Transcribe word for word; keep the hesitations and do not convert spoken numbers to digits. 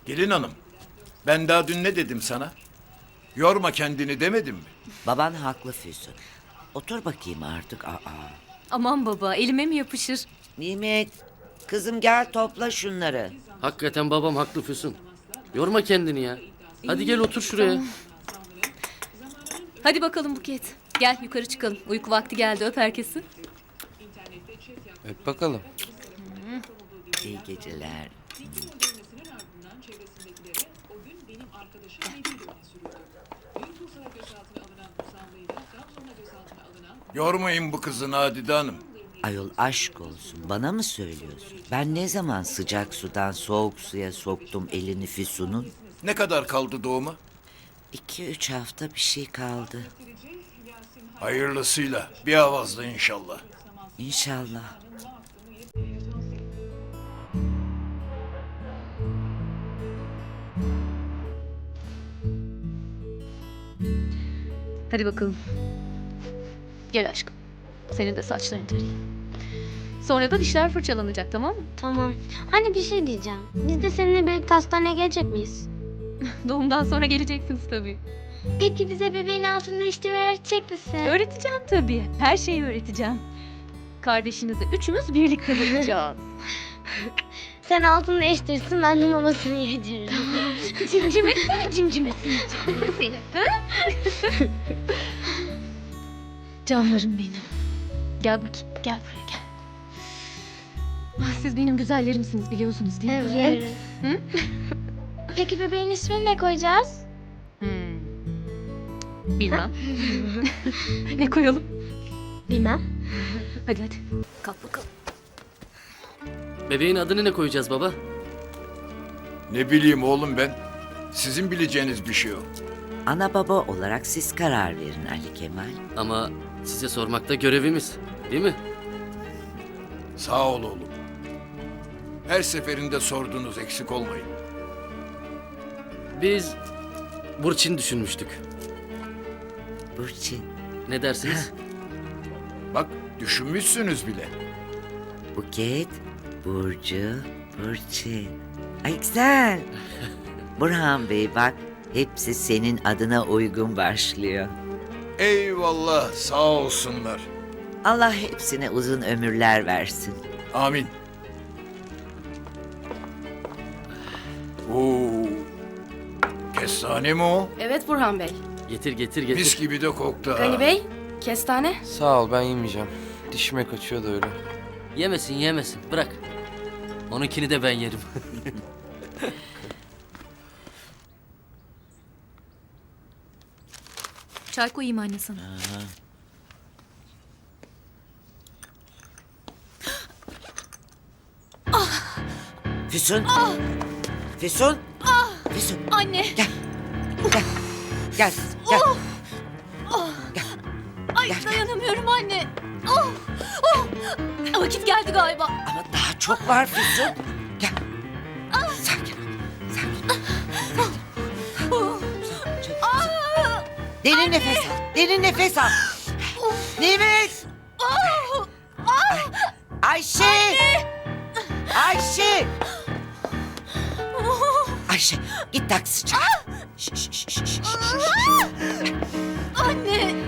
Gelin hanım, ben daha dün ne dedim sana? Yorma kendini demedim mi? Baban haklı Füsun. Otur bakayım artık. Aa. Aman baba, elime mi yapışır? Nimet, kızım gel topla şunları. Hakikaten babam haklı Füsun. Yorma kendini ya. Hadi gel otur şuraya. Hadi bakalım Buket. Gel yukarı çıkalım. Uyku vakti geldi, öp herkesi. Öp bakalım. İyi geceler. Yormayın bu kızı Nadide Hanım. Ayol aşk olsun, bana mı söylüyorsun? Ben ne zaman sıcak sudan soğuk suya soktum elini Füsun'un? Ne kadar kaldı doğuma? İki üç hafta bir şey kaldı. Hayırlısıyla, bir avazda inşallah. İnşallah. Hadi bakalım. Gel aşkım. Senin de saçlarını tarayayım. Sonra da dişler fırçalanacak, tamam mı? Tamam. Hani bir şey diyeceğim. Biz de seninle birlikte hastaneye gelecek miyiz? Doğumdan sonra geleceksiniz tabii. Peki bize bebeğin altını değiştirmeyi öğretecek misin? Öğreteceğim tabii. Her şeyi öğreteceğim. Kardeşinizi üçümüz birlikte bakacağız. Sen altını değiştirirsin, ben de mamasını yediririm. Cimcime, cimcimesini. Seni. Canlarım benim. Gel bakayım, gel buraya gel. Ah, siz benim güzellerimsiniz biliyorsunuz değil mi? Evet. Hı? Peki bebeğin ismini ne koyacağız? Hmm. Bilmem. Ne koyalım? Bilmem. Hadi hadi. Kalk bakalım. Bebeğin adını ne koyacağız baba? Ne bileyim oğlum ben. Sizin bileceğiniz bir şey o. Ana baba olarak siz karar verin Ali Kemal. Ama size sormakta görevimiz. Değil mi? Sağ ol oğlum. Her seferinde sordunuz, eksik olmayın. Biz Burçin düşünmüştük. Burçin, Ne dersiniz? Bak, düşünmüşsünüz bile. Buket, Burcu, Burçin. Ay güzel. Burhan Bey bak, hepsi senin adına uygun başlıyor. Eyvallah, sağ olsunlar. Allah hepsine uzun ömürler versin. Amin. Oo. Kestane mi o? Evet Burhan Bey. Getir getir getir. Mis gibi de koktu ha. Gani Bey, kestane. Sağ ol, ben yemeyeceğim. Dişime kaçıyor da öyle. Yemesin yemesin bırak. Onunkini de ben yerim. Çay koyayım anne sana. Füsun. Füsun. Füsun. Anne. Gel. Gel. Gel. Gel. Gel. Ay Gel, gel. dayanamıyorum anne. Oh, oh. Vakit geldi galiba. Ama daha çok var Füsun. Gel. Sakin ol. Sakin ol. Sakin ol. Derin nefes al. Derin nefes al. Nimet. Ay, Ayşe. Ayşe. Ayşe git taksi çağır. Şş, şş, şş, şş, şş. Anne.